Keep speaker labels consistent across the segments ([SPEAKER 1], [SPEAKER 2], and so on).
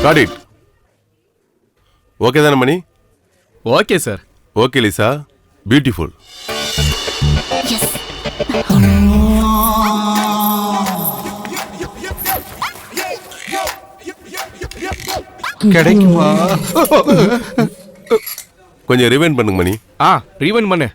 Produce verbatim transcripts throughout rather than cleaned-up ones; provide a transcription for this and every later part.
[SPEAKER 1] God it. Okay தானே மணி?
[SPEAKER 2] Okay sir.
[SPEAKER 1] Okay Lisa, beautiful.
[SPEAKER 3] கிடைக்குமா?
[SPEAKER 1] கொஞ்சம் ரிவைண்ட் பண்ணுங்க மணி.
[SPEAKER 2] ஆ ரீவைண்ட் பண்ணு.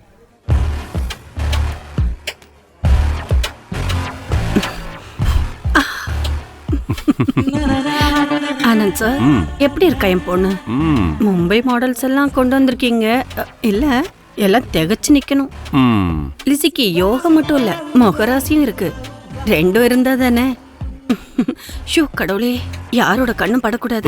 [SPEAKER 4] ஆனந்த் சார், எப்படி இருக்கா என் பொண்ணு? மும்பை மாடல்ஸ் எல்லாம் கொண்டு வந்திருக்கீங்க. இல்ல எல்லாம் திகச்சு நிக்கணும். லிசிக்கு யோகம் மட்டும் இல்ல, முகராசியும் இருக்கு. ரெண்டும் இருந்தா தானே. ஷூ கடவுளே, யாரோட கண்ணும் படக்கூடாது.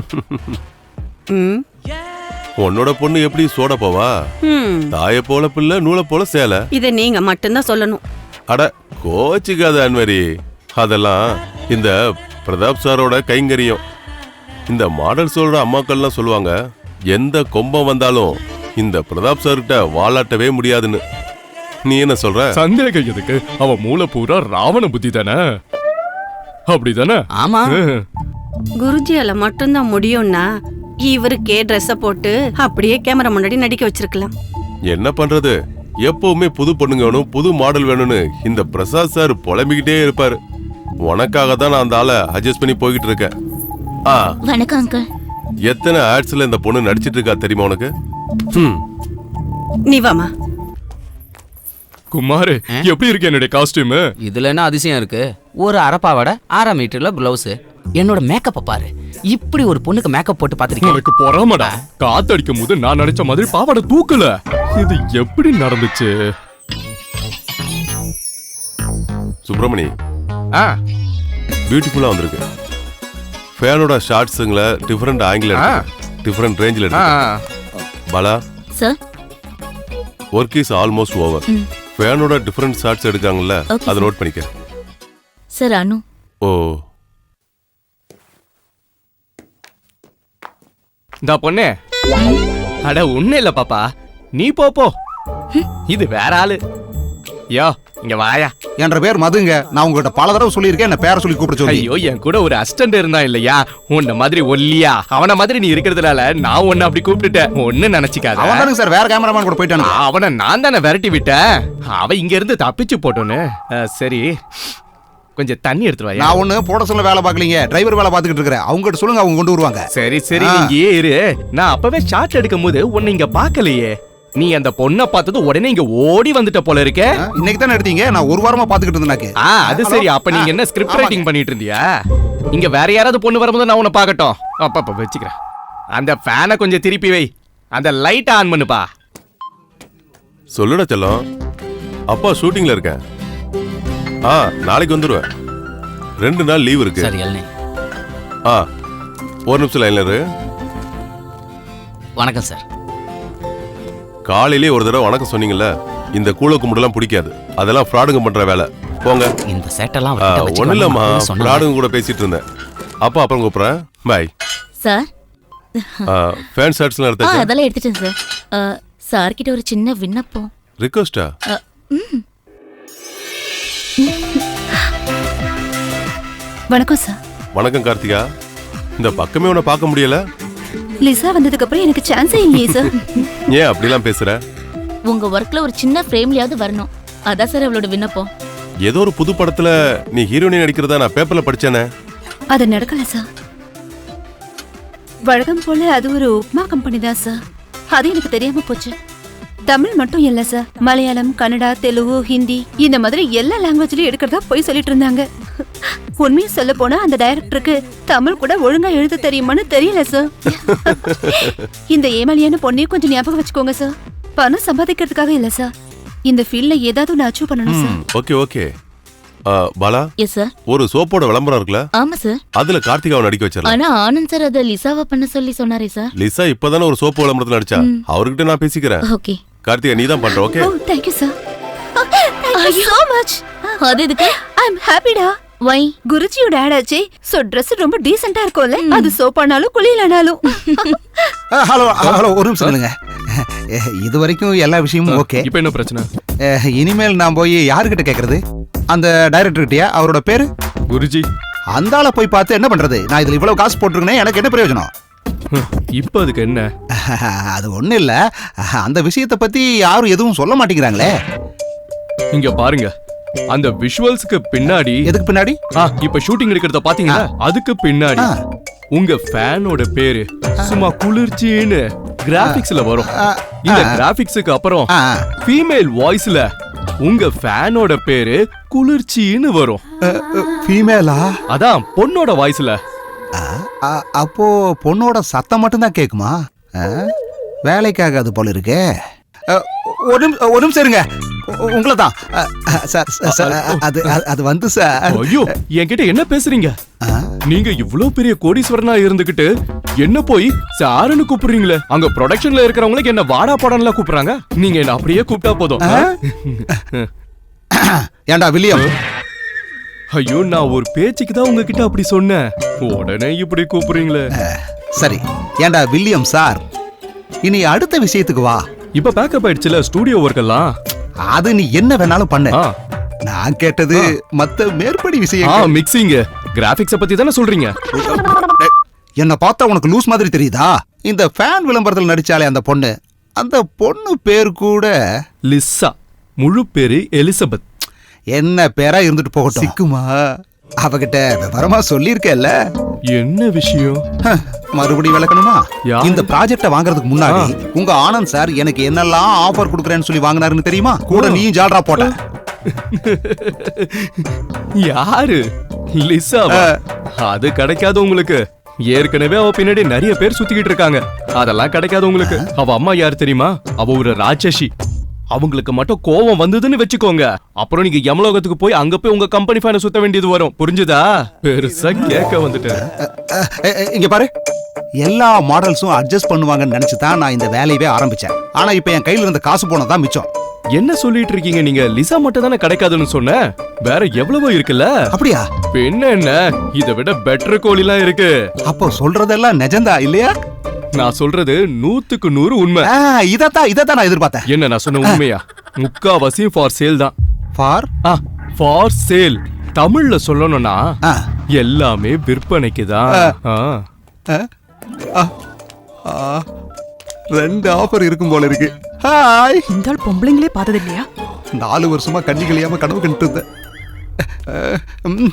[SPEAKER 1] உன்னோட பொண்ணு எப்படி சோட போவா? தாய போல பிள்ளை, நூலை போல சேலை.
[SPEAKER 4] இதை நீங்க மட்டும்தான் சொல்லணும்.
[SPEAKER 1] அட கோச்சிக்காத அன்வரி, அதெல்லாம் இந்த பிரதாப் சாரோட கைங்கரியம். இந்த மாடல் சொல்ற அம்மாக்கள்லாம் சொல்லுவாங்க, எந்த கொம்பம் வந்தாலும் இந்த பிரதாப் சார்கிட்ட வாலாட்டவே முடியாதுன்னு. நீ என்ன சொல்ற?
[SPEAKER 2] சந்தேகம் எதுக்கு? அவ மூளை பூரா ராவண புத்தி தானே. அப்படிதானே?
[SPEAKER 5] ஆமா.
[SPEAKER 4] குருஜியால மட்டும்தான் முடியும்னா இவருக்கே ட்ரெஸ்ஸ போட்டு அப்படியே கேமரா முன்னாடி நடிக்க வச்சிருக்கலாம்.
[SPEAKER 1] என்ன பண்றது, எப்பவுமே புது பொண்ணுங்க வேணும், புது மாடல் வேணும்னு இந்த பிரசாத் சார் புலம்பிக்கிட்டே இருப்பாரு. உனக்காக தான் நான் அந்த ஆளை அட்ஜஸ்ட் பண்ணி போய்கிட்டு இருக்கேன்.
[SPEAKER 6] வணக்கம் அங்கிள்.
[SPEAKER 1] எத்தனை ஆட்ஸ்ல இந்த பொண்ணு நடிச்சிட்டு இருக்கா தெரியுமா உனக்கு?
[SPEAKER 4] நீ வாமா.
[SPEAKER 2] குமார், எப்படி இருக்கு என்னுடைய காஸ்டியூம்?
[SPEAKER 5] இதுல என்ன அதிசயம் இருக்கு? ஒரு அரப்பாவோட ஆறா மீட்டர்ல பிளவுஸ். என்னோட மேக்கப்ப பாரு. இப்படி ஒரு பொண்ணுக்கு மேக்கப் போட்டு பாத்திருக்கேன்.
[SPEAKER 2] உனக்கு பொறாமடா. காத்தடிக்கும் போது நான் நினைச்ச மாதிரி பாவாடை தூக்கல. இது எப்படி நடந்துச்சு?
[SPEAKER 1] சுப்பிரமணி,
[SPEAKER 2] ஆ
[SPEAKER 1] பியூட்டிஃபுல்லா வந்திருக்கு. ஃபேனோட ஷார்ட்ஸ்ங்கள டிஃபரண்ட் ஆங்கிள் எடுத்து, டிஃபரண்ட் ரேஞ்சில் எடுத்து. Bala
[SPEAKER 6] sir,
[SPEAKER 1] work is almost over. ஃபேனோட டிஃபரண்ட் ஷார்ட்ஸ் எடுக்காங்கல்ல, அதை நோட் பண்ணிக்க.
[SPEAKER 6] சார் அனு.
[SPEAKER 1] ஓ,
[SPEAKER 2] இந்த பொண்ணு. அட ஒண்ணு இல்ல பாப்பா, நீ போ போ. இது வேற ஆளு. யோ இங்க வாயா.
[SPEAKER 3] என்ற பேர் மதுங்க. நான் உங்ககிட்ட பல தடவை சொல்லியிருக்கேன், என்ன பேரை சொல்லி கூப்பிட சொல்லி.
[SPEAKER 2] ஐயோ, என் கூட ஒரு அசிஸ்டன்ட் இருந்தா இல்லையா, உன்ன மாதிரி ஒல்லியா அவன மாதிரி நீ இருக்கிறதுனால நான் உன்னை அப்படி கூப்பிட்டுட்டேன். ஒண்ணு நினைச்சுக்காத.
[SPEAKER 3] அவன் தானுங்க சார் வேற கேமராமேன் கூட போயிட்டானு.
[SPEAKER 2] அவனை நான் தானே விரட்டி விட்டேன். அவ இங்க இருந்து தப்பிச்சு போட்டோன்னு. சரி, கொஞ்சம் தண்ணி எடுத்துட்டு வாயா.
[SPEAKER 3] நான் ஒண்ணு போட சொல்ல வேலை பார்க்கலீங்க, டிரைவர் வேலை பார்த்துக்கிட்டு இருக்கிறேன். அவங்க கிட்ட சொல்லுங்க, அவங்க கொண்டு வருவாங்க.
[SPEAKER 2] சரி சரி, நீங்க இரு. நான் அப்பவே ஷாட் எடுக்கும் போது உன்னை இங்க பாக்கலையே. நீ அந்த பொண்ணை பார்த்தது உடனே இங்க ஓடி வந்துட்ட போல இருக்க.
[SPEAKER 3] இன்னைக்கு தானே எடுத்தீங்க, நான் ஒரு வாரமா பாத்துக்கிட்டு இருந்தேன்.
[SPEAKER 2] ஆ அது சரி. அப்ப நீங்க என்ன ஸ்கிரிப்ட் ரைட்டிங் பண்ணிட்டு இருந்தியா? இங்க வேற யாராவது பொண்ணு வரும்போது நான் உன்னை பார்க்கட்டும். அப்ப அப்ப வச்சுக்கிறேன். அந்த ஃபேனை கொஞ்சம் திருப்பி வை. அந்த லைட் ஆன் பண்ணுப்பா.
[SPEAKER 1] சொல்லுடா செல்லம். அப்பா ஷூட்டிங்ல இருக்கேன். ஆ நாளைக்கு வந்துருவேன். ரெண்டு நாள் லீவ் இருக்கு.
[SPEAKER 5] சரி அண்ணே.
[SPEAKER 1] ஆ ஒரு நிமிஷம் லைன்ல இரு.
[SPEAKER 5] வணக்கம் சார்.
[SPEAKER 1] காலையிலே ஒரு தடவை வணக்கம் சொன்னீங்கல்ல, இந்த கூழ கும்பிடலாம் பிடிக்காது. அதெல்லாம் ஃப்ராடுங்க பண்ற வேலை. போங்க.
[SPEAKER 5] இந்த சேட்டெல்லாம்
[SPEAKER 1] ஒன்னும் இல்லம்மா, ஃப்ராடுங்க கூட பேசிட்டு இருந்தேன். அப்பா அப்புறம் கூப்பிடுறேன். பாய்.
[SPEAKER 6] சார்,
[SPEAKER 1] ஃபேன் ஷர்ட்ஸ்லாம் எடுத்தாச்சா?
[SPEAKER 6] அதெல்லாம் எடுத்துட்டேன் சார். சார் கிட்ட ஒரு சின்ன விண்ணப்பம்.
[SPEAKER 1] ரிக்வெஸ்டா?
[SPEAKER 7] வணக்கம் சார்.
[SPEAKER 1] வணக்கம் கார்த்திகா. இந்த பக்கமே உன்னை பார்க்க முடியல.
[SPEAKER 7] லிசா வந்ததுக்கு அப்புறம் எனக்கு சான்ஸே இல்லையே சார்.
[SPEAKER 1] ஏன் அப்படிலாம் பேசுற?
[SPEAKER 6] உங்க ஒர்க்ல ஒரு சின்ன ஃப்ரேம்லயாவது வரணும். அதான் சார் அவளோட விண்ணப்பம்.
[SPEAKER 1] ஏதோ ஒரு புது படத்துல நீ ஹீரோயினி நடிக்கிறதா நான் பேப்பர்ல படிச்சேனே.
[SPEAKER 7] அது நடக்கல சார். வழக்கம் போல அது ஒரு உப்மா கம்பெனி தான் சார். அது எனக்கு தெரியாம போச்சு. தமிழ் மட்டும் இல்ல சார், மலையாளம், கன்னடா, தெலுங்கு, ஹிந்தி இந்த மாதிரி எல்லா லாங்குவேஜ்லயும் எடுக்கிறதா போய் சொல்லிட்டு இருந்தாங்க. உண்மையை சொல்ல போனா அந்த டைரக்டருக்கு தமிழ் கூட ஒழுங்கா எழுத தெரியுமான்னு தெரியல சார். இந்த ஏமாளியான பொண்ணையும் கொஞ்சம் ஞாபகம் வச்சுக்கோங்க சார். பணம் சம்பாதிக்கிறதுக்காக இல்ல சார், இந்த ஃபீல்ட்ல ஏதாவது ஒன்று அச்சீவ் பண்ணணும் sir.
[SPEAKER 1] Okay okay. Bala,
[SPEAKER 6] yes sir.
[SPEAKER 1] ஒரு சோப்போட விளம்பரம் இருக்குல்ல?
[SPEAKER 6] ஆமா சார்.
[SPEAKER 1] அதுல கார்த்திகாவை நடிக்க வச்சிரலாம்.
[SPEAKER 6] ஆனா ஆனந்த் சார் அத லிசாவா பண்ண சொல்லி சொன்னாரே சார்.
[SPEAKER 1] லிசா இப்பதானே ஒரு சோப்பு விளம்பரத்துல நடிச்சா. அவர்கிட்ட நான் பேசிக்கிறேன்.
[SPEAKER 6] ஓகே.
[SPEAKER 1] கார்த்திகா நீ தான் பண்ற. Okay.
[SPEAKER 7] Oh thank you sir. Thank you so much.
[SPEAKER 6] அது எதுக்கு?
[SPEAKER 7] I am happy டா.
[SPEAKER 6] வை?
[SPEAKER 7] குருஜியோட ஆட் ஆச்சே. சோ Dress ரொம்ப டீசன்ட்டா இருக்கும்ல. அது சோப்பானாலும் குளியலானாலும்.
[SPEAKER 3] ஹலோ ஹலோ ஒரு நிமிஷம் இல்லங்க. இது வரைக்கும் எல்லா விஷயமும் ஓகே.
[SPEAKER 2] இப்போ என்ன பிரச்சனை?
[SPEAKER 3] இனிமேல் நான் போய் யார்கிட்ட கேக்குறது? அந்த டைரக்டர் கிட்டயா? அவரோட பேரு
[SPEAKER 2] குருஜி.
[SPEAKER 3] அந்த ஆளை போய் பார்த்து என்ன பண்றது? நான் இதுல இவ்வளவு காசு போட்டிருக்கேனே, எனக்கு என்ன பிரயோஜனம்?
[SPEAKER 2] இப்ப அதுக்கு என்ன?
[SPEAKER 3] அது ஒண்ணு இல்ல, அந்த விஷயத்தை பத்தி யாரும் எதுவும் சொல்ல மாட்டேங்கிறாங்களே.
[SPEAKER 2] இங்க பாருங்க, அந்த விஷுவல்ஸ்க்கு பின்னாடி
[SPEAKER 3] எதுக்கு பின்னாடி?
[SPEAKER 2] ஆ, இப்ப ஷூட்டிங் எடுக்கிறத பாத்தீங்களா, அதுக்கு பின்னாடி
[SPEAKER 3] ஆ.
[SPEAKER 2] உங்க ஃபேனோட பேரு சும்மா குளிர்ச்சின்னு கிராபிக்ஸ்ல வரும். இந்த கிராபிக்ஸுக்கு அப்புறம்
[SPEAKER 3] ஆ.
[SPEAKER 2] ஃபீமேல் வாய்ஸ்ல உங்க ஃபேனோட பேரு குளிர்ச்சின்னு வரும்.
[SPEAKER 3] ஃபீமேலா?
[SPEAKER 2] அதான் பொண்ணோட வாய்ஸ்ல.
[SPEAKER 3] அப்போ பொண்ணோட சத்தம் மட்டும்தான் கேக்குமா? ஆ, வேலைக்காகாது போல இருக்கே. அ, ஒரு நிமிஷம் ஒரு நிமிஷம் இருங்க, உங்களை தான். சார் சார், அது அது வந்து சார்.
[SPEAKER 2] ஐயோ, என்கிட்ட என்ன பேசுறீங்க? நீங்க இவ்ளோ பெரிய கோடீஸ்வரனா இருந்துகிட்டு என்ன போய் சாருன்னு கூப்பிடுறீங்களே? அங்க ப்ரொடக்ஷன்ல இருக்கிறவங்களுக்கு என்ன வாடா படம்லாம் கூப்பிடுறாங்க, நீங்க என்ன அப்படியே கூப்பிட்டா போதும்.
[SPEAKER 3] ஏண்டா வில்லியம்?
[SPEAKER 2] ஐயோ, நான் ஒரு பேச்சுக்கு தான் உங்ககிட்ட அப்படி சொன்னேன், உடனே இப்படி கூப்பிடுறீங்களே.
[SPEAKER 3] சரி, ஏண்டா வில்லியம் சார், இனி அடுத்த விஷயத்துக்கு வா.
[SPEAKER 2] இப்ப பேக்கப் ஆயிடுச்சுல ஸ்டூடியோ ஒர்க் எல்லாம்.
[SPEAKER 3] அது நீ என்ன வேணாலும் பண்ணு.
[SPEAKER 2] ஆ.
[SPEAKER 3] நான் கேட்டது மத்த மேற்படி
[SPEAKER 2] ஆ,
[SPEAKER 3] விஷயம்.
[SPEAKER 2] மிக்சிங் கிராபிக்ஸ் பத்தி தானே சொல்றீங்க?
[SPEAKER 3] என்ன பார்த்தா உனக்கு லூஸ் மாதிரி தெரியுதா? இந்த ஃபேன் விளம்பரத்தில் நடிச்சாலே அந்த பொண்ணு, அந்த பொண்ணு பேர் கூட
[SPEAKER 2] லிசா. முழு பேரு எலிசபெத்.
[SPEAKER 3] என்ன பேரா இருந்துட்டு போகட்டும், சிக்குமா? அவகிட்ட விவரமா சொல்லியிருக்கேல்ல.
[SPEAKER 2] என்ன விஷயம்?
[SPEAKER 3] ஹ, மறுபடியும் விளக்கணுமா?
[SPEAKER 2] யா.
[SPEAKER 3] இந்த ப்ராஜெக்ட வாங்குறதுக்கு முன்னாடி உங்க ஆனந்த் சார் எனக்கு என்னெல்லாம் ஆஃபர் கொடுக்கறேன்னு சொல்லி வாங்கினாருன்னு தெரியுமா? கூட நீயும் ஜால்ரா போட்ட.
[SPEAKER 2] யாரு? லிசாவா? அது கிடைக்காது உங்களுக்கு. ஏற்கனவே அவ பின்னாடி நிறைய பேர் சுத்திக்கிட்டு இருக்காங்க, அதெல்லாம் கிடைக்காது உங்களுக்கு. அவ அம்மா யார் தெரியுமா? அவ ஒரு ராட்சசி. அவங்களுக்கு மட்டும் கோவம் வந்ததுன்னு வச்சுக்கோங்க, அப்புறம் நீங்க யமலோகத்துக்கு போய் அங்க போய் உங்க கம்பெனி ஃபேனை சுத்த வேண்டியது வரும். புரிஞ்சுதா? பெருசா கேட்க வந்துட்டேன்.
[SPEAKER 3] அ, அ, இங்க பாரு, எல்லா மாடல்ஸும் அட்ஜஸ்ட் பண்ணுவாங்கன்னு நினைச்சு தான் நான் இந்த வேலையவே ஆரம்பிச்சேன். ஆனா இப்ப என் கையில இருந்த காசு போனதான் மிச்சம்.
[SPEAKER 2] என்ன சொல்லிட்டு இருக்கீங்க நீங்க? லிசா மட்டும் தானே கிடைக்காதுன்னு சொன்ன, வேற எவ்வளவோ இருக்குல்ல.
[SPEAKER 3] அப்படியா?
[SPEAKER 2] பின்ன என்ன, இதை விட பெட்டர் கோழிலாம் இருக்கு.
[SPEAKER 3] அப்போ சொல்றதெல்லாம் நிஜந்தா இல்லையா?
[SPEAKER 2] நான் சொல்றது நூத்துக்கு நூறு உண்மை.
[SPEAKER 3] ஆ, இதத்தான் இதத்தான் நான் எதிர்பார்த்தேன்.
[SPEAKER 2] என்ன நான் சொன்ன உண்மையா? முக்காவாசி ஃபார் சேல் தான்.
[SPEAKER 3] ஃபார்
[SPEAKER 2] ஆ, ஃபார் சேல். தமிழ்ல சொல்லணும்னா
[SPEAKER 3] ஆ.
[SPEAKER 2] எல்லாமே விற்பனைக்கு தான்.
[SPEAKER 3] ஆ, ஆ, ஆ, ரெண்டு ஆஃபர் இருக்கும் போல இருக்கு. ஹாய்.
[SPEAKER 8] இந்த ஆள் பொம்பளைங்களே பார்த்தது இல்லையா?
[SPEAKER 3] நாலு வருஷமா கண்ணி கழியாம கனவு கண்டுட்டு இருந்தேன்.